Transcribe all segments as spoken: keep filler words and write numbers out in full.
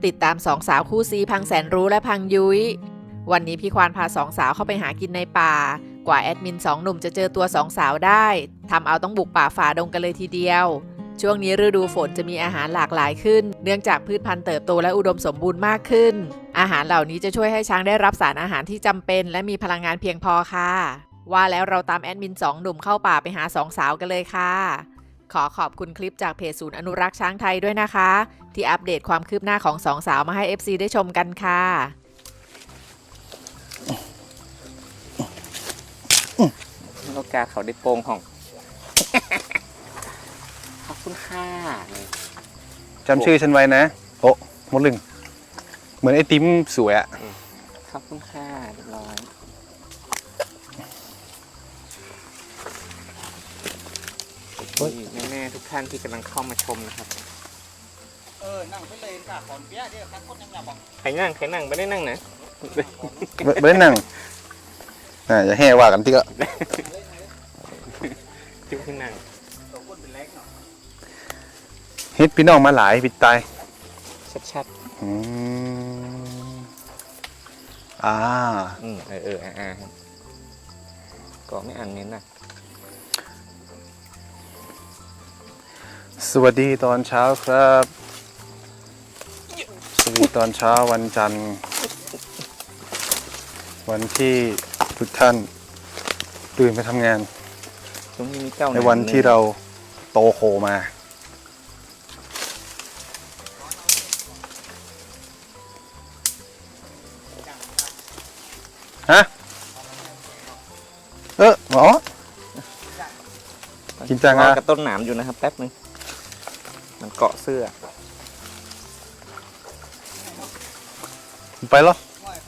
ติดตามสองสาวคู่ซีพังแสนรู้และพังยุ้ยวันนี้พี่ควานพาสองสาวเข้าไปหากินในป่ากว่าแอดมินสองหนุ่มจะเจอตัวสองสาวได้ทำเอาต้องบุกป่าฝ่าดงกันเลยทีเดียวช่วงนี้ฤดูฝนจะมีอาหารหลากหลายขึ้นเนื่องจากพืชพันธุ์เติบโตและอุดมสมบูรณ์มากขึ้นอาหารเหล่านี้จะช่วยให้ช้างได้รับสารอาหารที่จำเป็นและมีพลังงานเพียงพอค่ะว่าแล้วเราตามแอดมินสองหนุ่มเข้าป่าไปหาสองสาวกันเลยค่ะขอขอบคุณคลิปจากเพจศูนย์อนุรักษ์ช้างไทยด้วยนะคะที่อัปเดตความคืบหน้าของสองสาวมาให้ เอฟ ซี ได้ชมกันค่ะโอกาสเขาได้โป่งของ ขอบคุณค่ะจำชื่อฉันไว้นะโอ้มดลึงเหมือนไอติมสวยอะขอบคุณค่ะเรียบร้อยแม่ๆทุกท่านที่กำลังเข้ามาชมนะครับเออนั่งไปเลยค่ะขอนเปี้ยเดี๋ยวครับคนยังอยากบอกใครนั่งใครนั่งไม่ได้นั่งนะไม่ได้นั่งอ่าอย่าแห่ว่ากันที่ก็ที่ขึ้นนั่งเฮ็ดพี่น้องมาหลายปิดตายชัดๆอืมอ่าอืมเออเอออ่าก็ไม่อ่านเน้นนะสวัสดีตอนเช้าครับสวัสดีตอนเช้าวันจันทร์วันที่ทุกท่านตื่นไปทำงานในวันที่เราโตโคมาฮะเออหมอกินจังอ่ะกระต้นหนามอยู่นะครับแป๊บนึงมันเกาะเสื้อไปแล้ว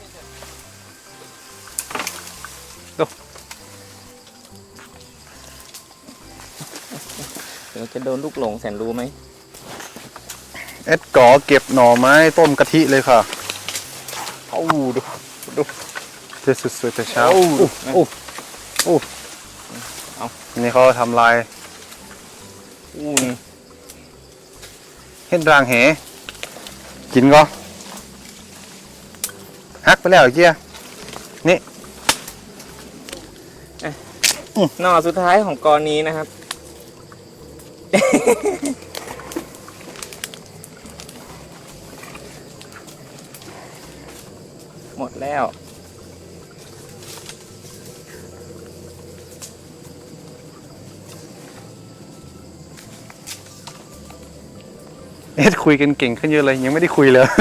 เดี๋ยวจะโดนลูกหลงแสนรู้ไหมเอ็ดก่อเก็บหน่อไม้ต้มกะทิเลยค่ะโอ้ดูดูเจ๊สุดๆแต่เช้าโอ้โอ้โอ้เอานี่เขาทำลายอู้เฮ็ดรางเหกินก็ฮักไปแล้วเกี้ยนี่หน่อสุดท้ายของกรนี้นะครับหมดแล้วเอ็ดคุยกันเก่งขึ้นเยอะเลยยังไม่ได้คุยเลย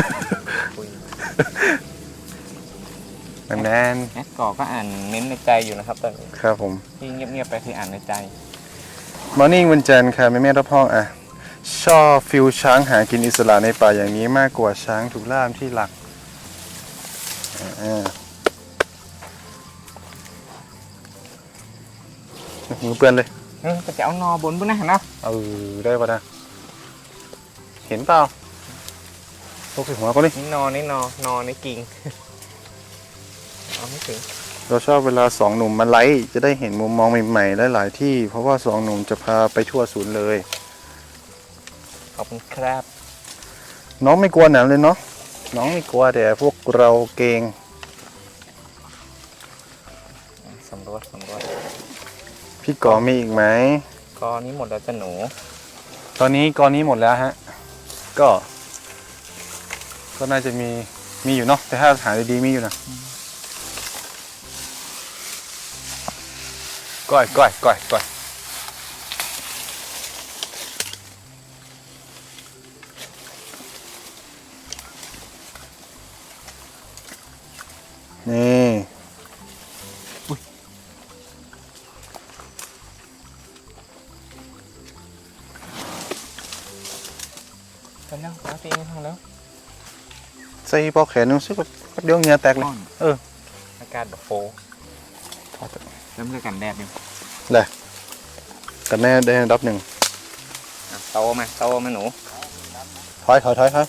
แมนแอดก่อก็อ่านเน้นในใจอยู่นะครับตอนนี้ครับผมที่เงียบๆไปคืออ่านในใจมอร์นิ่งวันจันทร์ค่ะแม่แม่รับห้องอ่ะชอบฟิลช้างหากินอิสระในป่าอย่างนี้มากกว่าช้างถูกล่ามที่หลักมือเปื้อนเลยเออจะเอานอบนบนนะนะเออได้ป่ะนะเห็นเปล่าตกใส่หัวก็ดินี่นอนี่นอนอนี่กิ่งเอาไม่ถึงเราชอบเวลาสองหนุ่มมาไลฟ์จะได้เห็นมุมมองใหม่ๆหลายๆที่เพราะว่าสองหนุ่มจะพาไปทั่วศูนย์เลยขอบคุณครับน้องไม่กลัวหนามเลยเนาะน้องไม่กลัวแต่พวกเราเกรงสำรวจสำรวจพี่ก่อมีอีกไหมกอนี้หมดแล้วจ้ะหนูตอนนี้กอนี้หมดแล้วฮะก็ก็น่าจะมีมีอยู่เนาะแต่ถ้าหาดีๆมีอยู่นะก้อยก้อยก้อยก้อยนี่กันแล้วตาตีไม่ทันแล้วใส่ปอกแขนนึงซึ่งก็เดี๋ยวเหงื่อแตกเลยเอออากาศแบบโฟเริ่มเรื่องกันแดดอยู่เลยกันแน่ได้ดับหนึ่งโตมาโตมาหนูถอยถอยถอยถอย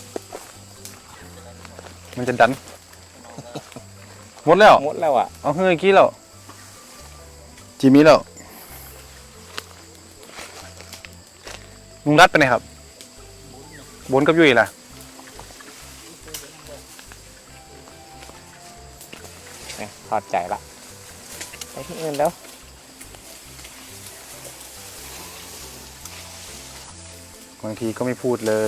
มันจะดันหมดแล้วหมดแล้วอ่ะเอาเฮ้ยกี้แล้วจีมีแล้วลุงรัดไปไหนครับบนกับยุ้ยล่ะเนี่ยถอดใจละไปที่อื่นแล้วบางทีก็ไม่พูดเลย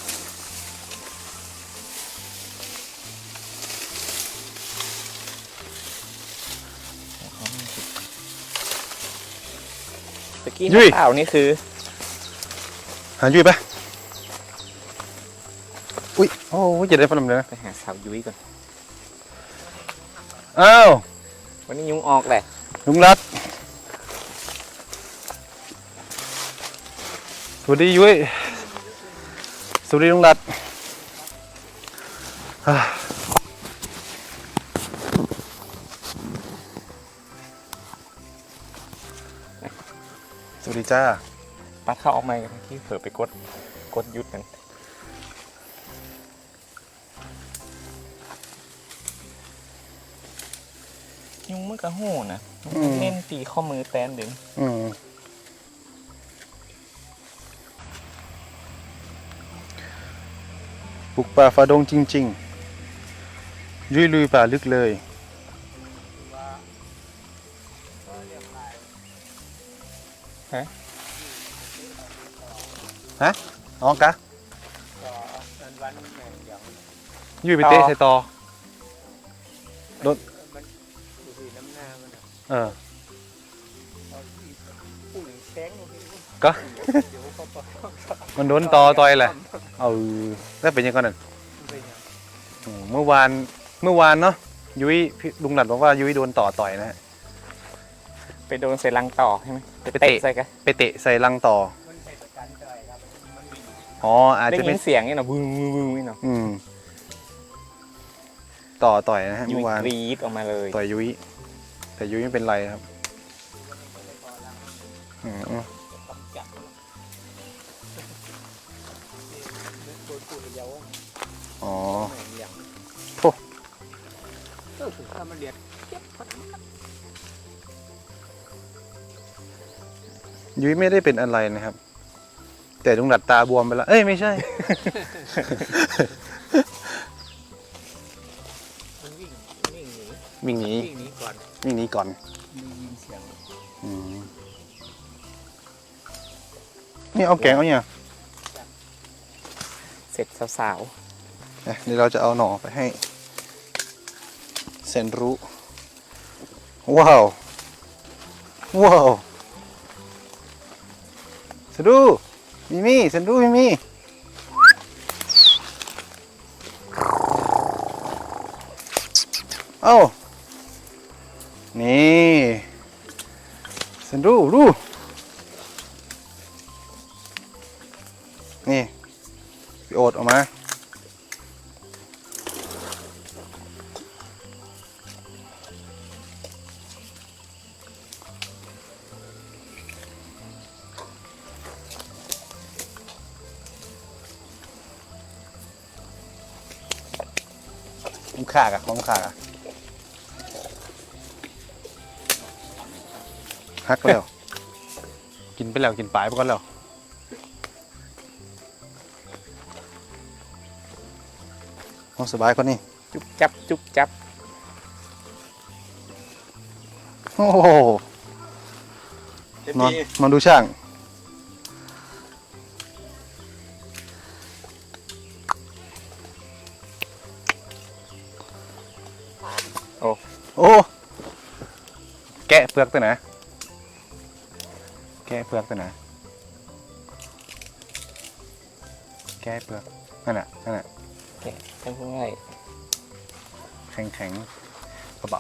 ตะกี้ยุ้ยข่าวนี่คือหายุ้ยปะอุ้ยโอ้ยจะได้พัดลมเลยนะไปหาสาวยุ้ยก่อนอ้าววันนี้ยุงออกแหละลุงรัดสวัสดียุ้ยสวัสดีลุงรัดอ่าสวัสดีจ้าปัดเข้าออกมากันที่เผลอไปกดกดยุดกันยุงมันก็โหนะอืมเล่นตีข้อมือแตนดึงอืมบุกป่าฝ่าดงจริงๆ ยุยลุยป่าลึกเลย ฮะอ๋อกะก็วันวันแม่งอย่างยุยไปเตะใส่ตอ โดนมันดูสิน้ำหน้ามันอะเออเอาที่ปุ่งแสงลงไปดูก็เดี๋ยวเขาปะมันโดนตอต่อยแหละ เอาแล้วเป็นยังไงนั่นเป็นอย่างอืมเมื่อวาน เมื่อวานเนาะ ยุ้ยพี่ลุงหลัดบอกว่ายุ้ยโดนต่อต่อยนะฮะไปโดนใส่ลังต่อใช่ไหมไปเตะใส่กันไปเตะใส่ลังต่อมันใส่ประกันใจครับมันวิ่งอ๋อ อาจได้จะยิเป็นนเสียงนี่เนาะบึ้งบึ้งบึ้งนี่เนาะอืม ต่อต่อยนะฮะยุ้เมื่ยอวานกรีดออกมาเลยต่อยยุ้ย แต่ยุ้ยไม่เป็นไรครับอืมต้องจับโดนปูดเดียวอ๋อแม่งอย่างโถ่เออถ้ามันเดือดเจ็บมันยุ้ยไม่ได้เป็นอะไรนะครับ แต่ลุงหลัดตาบวมไปแล้ว เอ้ย ไม่ใช่มันวิ่งวิ่งหนีวิ่งหนีวิ่งหนีก่อนวิ่งหนีก่อนมียินเสียงอืมนี่เอาแกงเอาเนี่ยเสร็จสาวอ่ะเดี๋ยวเราจะเอาหน่อไปให้เซนรู้ ว้าว ว้าวเซนรู้มิมี่เซนรู้มิมี่เอ้านี่เซนรู้รู้นี่พี่โอ๊ตออกมาของขากอะของขากอะฮักแล้ว กินไปแล้ว กินปลายไปก่อนแล้วเอาสบายคนนี้ๆจุ๊บจับจุ๊บจับโอ้โหนอนนอนดูช่างโอ้โอ้ แกะเปลือกตัวไหนแกะเปลือกตัวไหนแกะเปลือก นั่นน่ะ นั่นน่ะทำง่ายแข็งแข็งๆกระเป๋า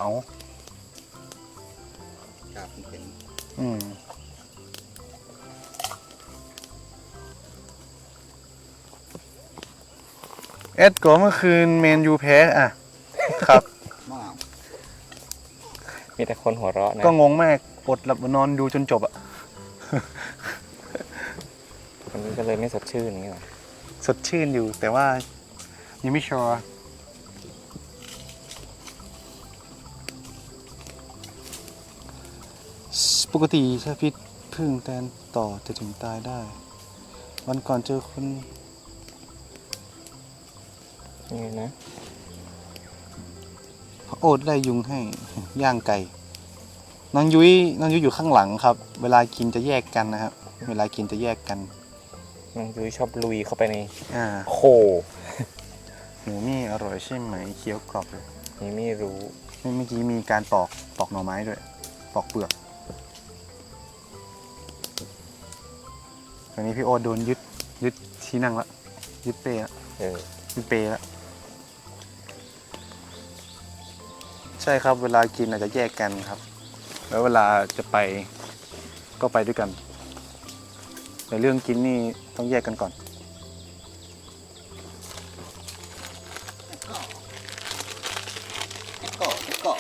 ครับเห็นอืม เอ็ดก็เมื่อคืนเมนยูแพ้อ่ะ ครับมากมีแต่คนหัวเราะนะก็งงมากอดหลับนอนดูจนจบอ่ะวันนี้ก็เลยไม่สดชื่นนี่หรอสดชื่นอยู่แต่ว่ายังไม่ชัวร์ปกติถ้าพิษพึ่งแตนต่อจะถึงตายได้ วันก่อนเจอคนยังไงนะโอ๊ตได้ยุงให้ ย่างไก่น้องยุ้ยน้องยุ้ยอยู่ข้างหลังครับ เวลากินจะแยกกันนะครับ เวลากินจะแยกกันน้องยุ้ยชอบลุยเข้าไปในอ่าโคหมูมี่อร่อยใช่ไหมเคี้ยวกรอบเลยนี่ไม่รู้เมื่อกี้มีการปอกปอกหน่อไม้ด้วย ปอกเปลือกตอนนี้พี่โอ๊ตโดนยึดยึดที่นั่งละยึดเป้ละเออยึดเป้ละใช่ครับ เวลากินอาจจะแยกกันครับ แล้วเวลาจะไปก็ไปด้วยกันในเรื่องกินนี่ต้องแยกกันก่อนเกาะเกาะ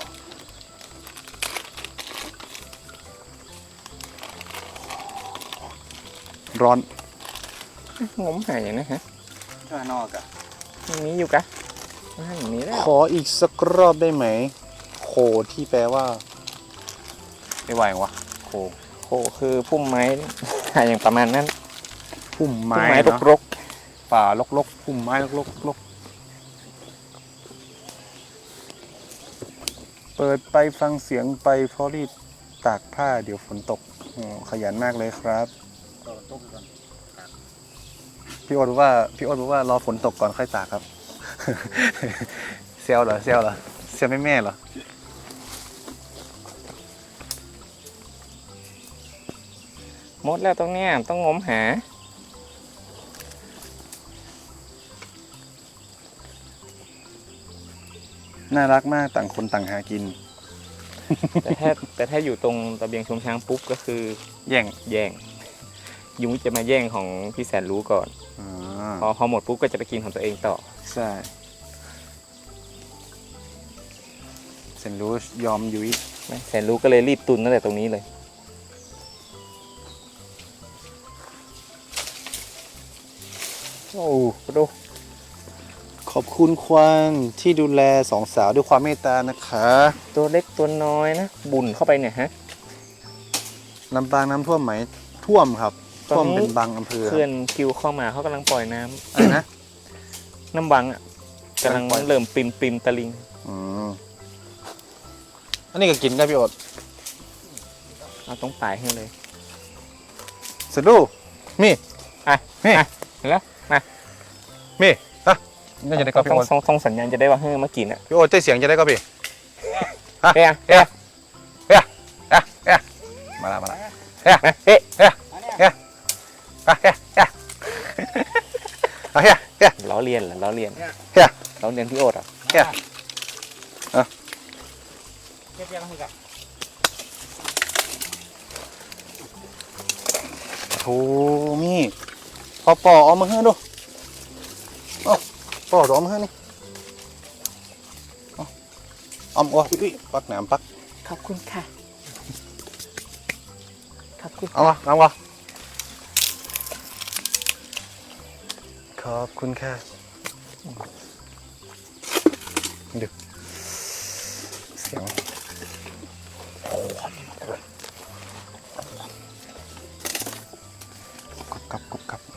ร้อนงมหายนะฮะข้างนอกอะมันมีอยู่กะว่าอย่างนี้แล้วขออีกสักรอบได้ไหม โคที่แปลว่าไม่ไหววะโคโคคือพุ่มไม้ อย่างประมาณนั้นพุ่มพุ่มไม้ไม้เนอะรกป่าลกๆพุ่มไม้ลกๆลกเปิดไปฟังเสียงไปเพราะรีบตากผ้าเดี๋ยวฝนตกอ๋อขยันมากเลยครับต่อต้มกันพี่โอ๊ตบอกว่าพี่โอ๊ตบอกว่ารอฝนตกก่อนค่อยตากครับ เซลเหรอเซลเหรอเซลแม่แม่เหรอๆหมดแล้วตรงเนี้ยต้องงมหาน่ารักมากต่างคนต่างหากินแต่ถ้าแต่ถ้าอยู่ตรงระเบียงชมช้างปุ๊บก็คือแย่งแย่ง ยุงจะมาแย่งของพี่แสนรู้ก่อนอ่าพอพอหมดปุ๊บก็จะไปกินของตัวเองต่อใช่เซนรู้ยอมยุ้ยแสนรู้ก็เลยรีบตุนตั้งแต่ตรงนี้เลย โอ้ดูขอบคุณควันที่ดูแลสองสาวด้วยความเมตตานะคะตัวเล็กตัวน้อยนะ บุ่นเข้าไปเนี่ยฮะลำปางน้ำท่วมไหมท่วมครับตอนท่วมนี้เป็นบางอำเภอเขื่อนคิวเข้ามาเขากำลังปล่อยน้ำอะไรนะน้ำวังอ่ะกำลังปล่อยเริ่มปิมปิมตะลิงอืมอันนี้ก็กินได้พี่โอ๊ตเอาตรงปลายให้เลยสดูมีอ่ะนี่อ่ะเห็นแล้วมามีอ่ะน่าจะได้ก็พี่ต้องโอ๊ตส่งส่งสัญญาณจะได้ว่าเฮ้ยมากินอ่ะพี่โอ๊ตใจเสียงจะได้ก็พี่เฮ้ยเอ๊ะเอ๊ะเอ๊ะเอ๊ะมาละมาละเอ๊ะมาเฮ้ยเอ๊ะอันเนี้ยเอ๊ะเอ๊ะเอ๊ะเอ๊ะเอ๊ะเอ๊ะล้อเลียนเหรอล้อเลียนเอ๊ะล้อเลียนพี่โอ๊ตเหรอ่ะเอ๊ะเก็บยังไงกันโธ่มีพอปอเอามาให้ดูเอาปอเอามาให้นี่เอาเอาอ๋ออุ้ยปักหนามปักขอบคุณค่ะขอบคุณเอามาเอามาขอบคุณค่ะดูเสียงกรุบกรับกรุบกรับ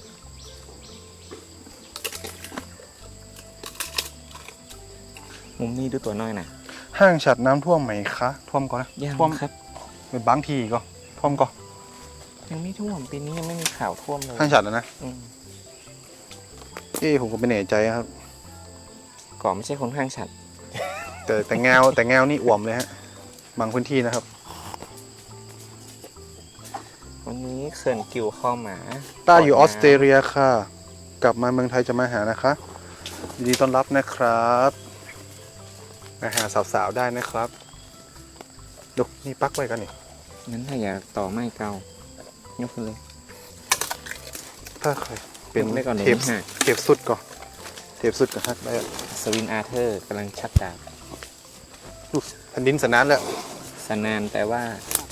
มุมนี้ดูตัวน้อยนะห้างฉัดน้ำท่วมไหมคะ ท่วมก่อนนะยังท่วมครับเป็นบางทีก็ท่วมก็ยังไม่ท่วมปีนี้ยังไม่มีข่าวท่วมเลยห้างฉัดแล้วนะอืมเอ้ผมก็ไม่แน่ใจครับก่อนไม่ใช่คนข้างฉันแต่แต่แงวแต่แงวนี่อ่วมเลยฮะ บางพื้นที่นะครับวันนี้เขื่อนกิวเข้ามาต้าอยู่ก่อน้อสเตรเลียค่ะ กลับมาเมืองไทยจะมาหานะคะยินดีต้อนรับนะครับมาหาสาวๆได้นะครับดูนี่ปักไว้กันนี่งั้นถ้าอยากต่อไม้เก่ายกขึ้นเลยถ้าใครเป็นยกได้ก่อนเลยเทปนะฮะเทปสุดก่อนเทปสุดกับฮักได้อะสวินอาร์เธอร์กำลังชักดาบดูแผ่นดินสนานแล้วสนานแต่ว่า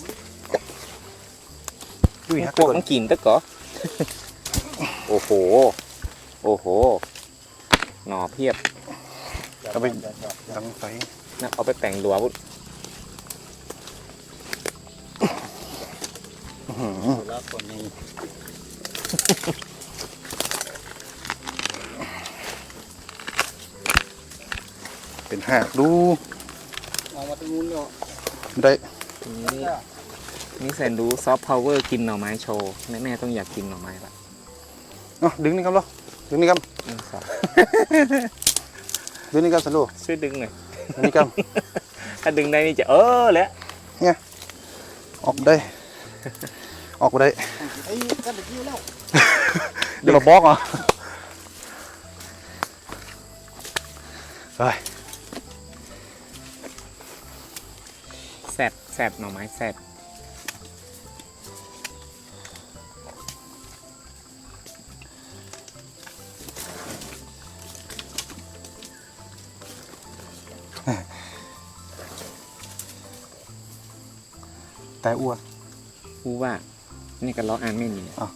ดุยฮักพวกก่อนมันกินตะก่อ โอ้โห โอ้โห หน่อเพียบเอาไปดังไฟนะเอาไปแต่งหลัวพุอื้อหือแล้วคนนี้เป็นเป็นหากดูออกมาตรงนู้นเนาะได้นี่นี่แสนรู้ซอฟต์พาวเวอร์กินหน่อไม้โชว์แม่แม่ต้องอยากกินหน่อไม้ละเนาะดึงนี่ครับเหรอดึงนี่ครับหนึ่งสองดึงนี่ครับสันลูกช่วยดึงหน่อยดึงนี่ครับถ้าดึงได้นี่จะเออแล้วออกได้ ออกได้ไอ้กันตะกี้แล้วเดี๋ยวเราบล็อกเหรอไปแสบแสบหน่อไม้แสบแต่อ้วนพูดว่านี่ก็ล้ออ่านไม่มีอ้าว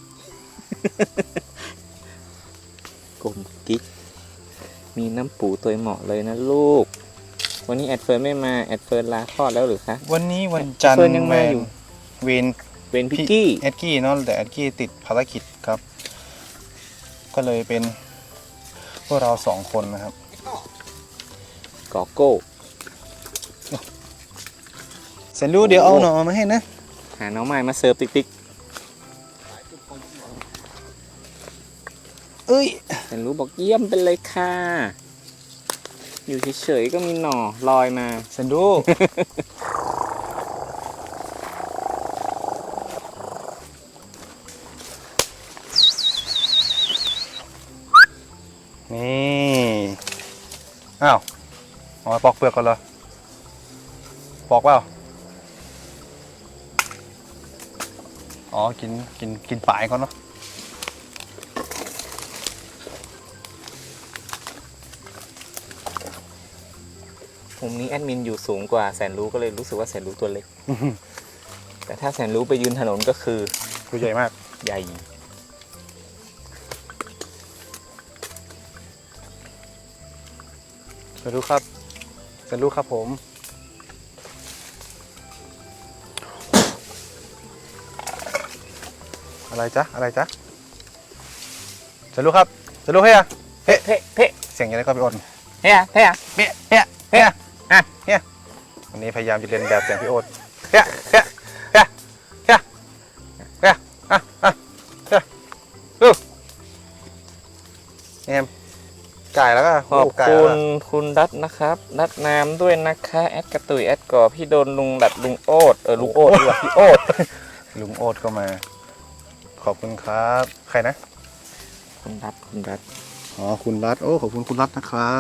กลมกิ๊กมีน้ำปูตัวเหมาะเลยนะลูก วันนี้แอดเฟิร์นไม่มาแอดเฟิร์นลาคลอดแล้วหรือคะวันนี้วันจันทร์เฟิร์นยังมาอยู่เวนเป็นพิกกี้แอดกี้เนาะแต่แอดกี้ติดภารกิจครับ ก็เลยเป็นพวกเราสองคนนะครับกอโก้เสร็จรู้เดี๋ยวเอาหน่อมาให้นะหาน้องใหม่มาเสิร์ฟติ๊กติ๊กเอ้ยแต่รู้บอกเยี่ยมเป็นเลยค่ะ อยู่เฉยๆก็มีหน่อลอยมาเสร็จรู้ นี่อ้าวเอามาปอกเปลือกก่อนเหรอปอกเปล่าอ๋อกินกินกินปลายก่อนเนาะมุมนี้แอดมินอยู่สูงกว่าแสนรู้ก็เลยรู้สึกว่าแสนรู้ตัวเล็ก แต่ถ้าแสนรู้ไปยืนถนนก็คือตัวใหญ่มากใหญ่เสร็จรู้ครับเสร็จรู้ครับผมอะไรจ๊ะอะไรจ๊ะเสร็จรู้ครับเสร็จรู้เฮียเพ่เพ่เพ่เสียงยังไงก็ไปอ่อนเฮ้ยเฮ้ยเฮียเฮียเฮียอ่ะเฮียวันนี้พยายามจะเรียนแบบเสียงพี่โอ๊ตเฮียเฮียเฮียเฮียเฮียอ่ะอ่ะเฮียดูเอ็มไก่แล้วก็ขอบไก่คุแล้วณคุณรัตนะครับรัตน้ำด้วยนะคะแอดกระตุยแอดก่อพี่โดนลุงดัดลุงโอ๊ตเออลุงโอ๊ตดีกว่าพี่โอ๊ตลุงโอ๊ตก็มา ขอบคุณครับใครนะคุณรัตคุณรัตอ๋อคุณรัตโอ้ขอบคุณคุณรัตนะครับ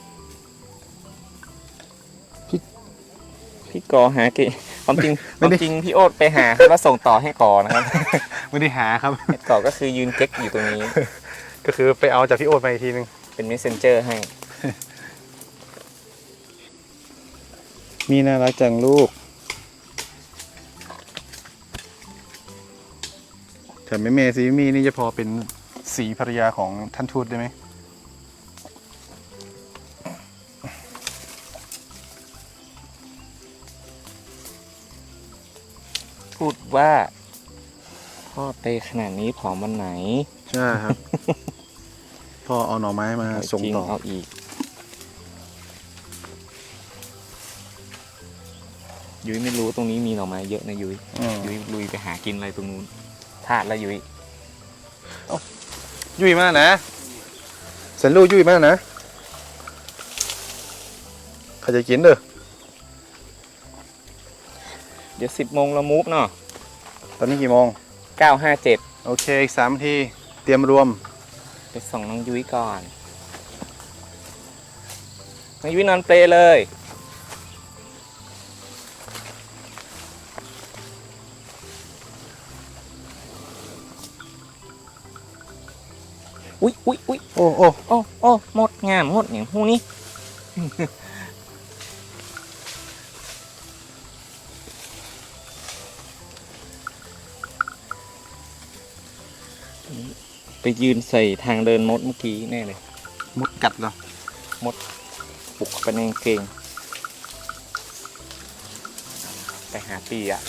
พี่กอหาเกความจริงความจริงพี่โอ๊ตไปหาแล้วส่งต่อให้กอนะครับไม่ได้หาครับแอดก่อก็คือยืนเก๊กอยู่ตรงนี้ก็คือไปเอาจากพี่โอ๊ตมาอีกทีนึงเป็น messenger ให้มีน่ารักจังลูกแต่แม่เมซีมีนี่จะพอเป็นสีภรรยาของท่านทูตได้ไหมพูดว่าพ่อเตขนาดนี้ผอมวันไหนใช่ครับ พ่อเอาหน่อไม้มาส่งจริงต่อเอาอีก ยุ้ยไม่รู้ตรงนี้มีหน่อไม้เยอะนะยุ้ยอืมยุ้ยลุยไปหากินอะไรตรงนู้นพลาดแล้วยุ้ยยุ่ยมากนะเสันลูกยุ่ยมากนะใครจะกินเด้อเดี๋ยวสิบโมงเรามูฟเนาะตอนนี้กี่โมงเก้าห้าเจ็ดโอเคอีกสามนาทีเตรียมรวมไปส่งน้องยุ้ยก่อน น้องยุ้ยนอนเปลเลย อุ๊ยอุ๊ยอุ๊ยโอ้โอ้โอ้โอ้หมดงามหมดอย่างหูนี้ ไปยืนใส่ทางเดินมดเมื่อกี้แน่เลยมดกัดเหรอปลุกไปในกางเกงไปหาปีอ่ะ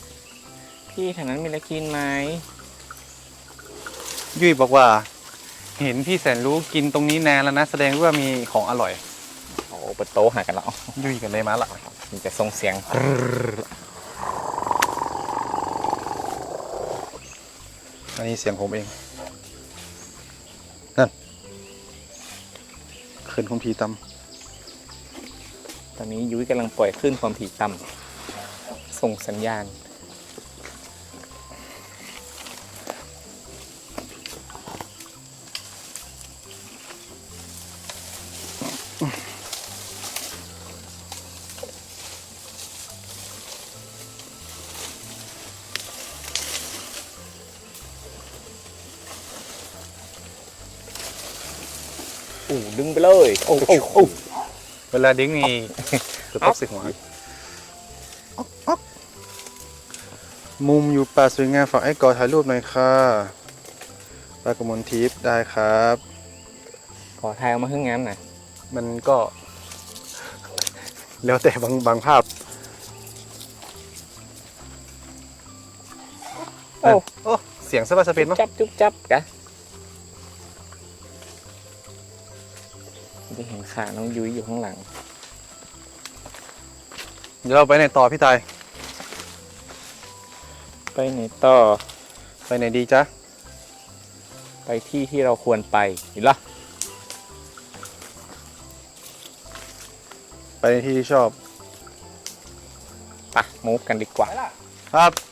พี่แถวนั้นมีอะไรกินไหมยุ่ยบอกว่าเห็นพี่แสนรู้กินตรงนี้นานแล้วนะ แสดงว่ามีของอร่อยโอ้เปิดโต๊ะหากันแล้วยุ่ยกันเลยมาละมีแต่ส่งเสียงอันนี้เสียงผมเอง นั่นขึ้นของผีตตอนนี้ยุ้ยกำลังปล่อยคลื่นความถี่ต่ำส่งสัญญาณ โอ้ดึงไปเลย โอ้โอ้โอ้ำเวลาดิ้งนี่จะตกใส่หัวอ๊อกอ๊อกมุมอยู่ป่าสวยงามฝากไอ้กอถ่ายรูปหน่อยค่ะปลากระมวลทิพย์ได้ครับขอทายเอามาขึ้นงานหน่อยมันก็ แล้วแต่บางบางภาพโอ้โอ้เสียงสบายสเปนมั้งจับจุ๊บจับกะได้เห็นขาน้องยุ้ยอยู่ข้างหลังเดี๋ยวเราไปไหนต่อพี่ตายไปไหนต่อไปไหนดีจ๊ะไปที่ที่เราควรไปเห็นเหรอไปในที่ที่ชอบไปมูฟกันดีกว่าครับ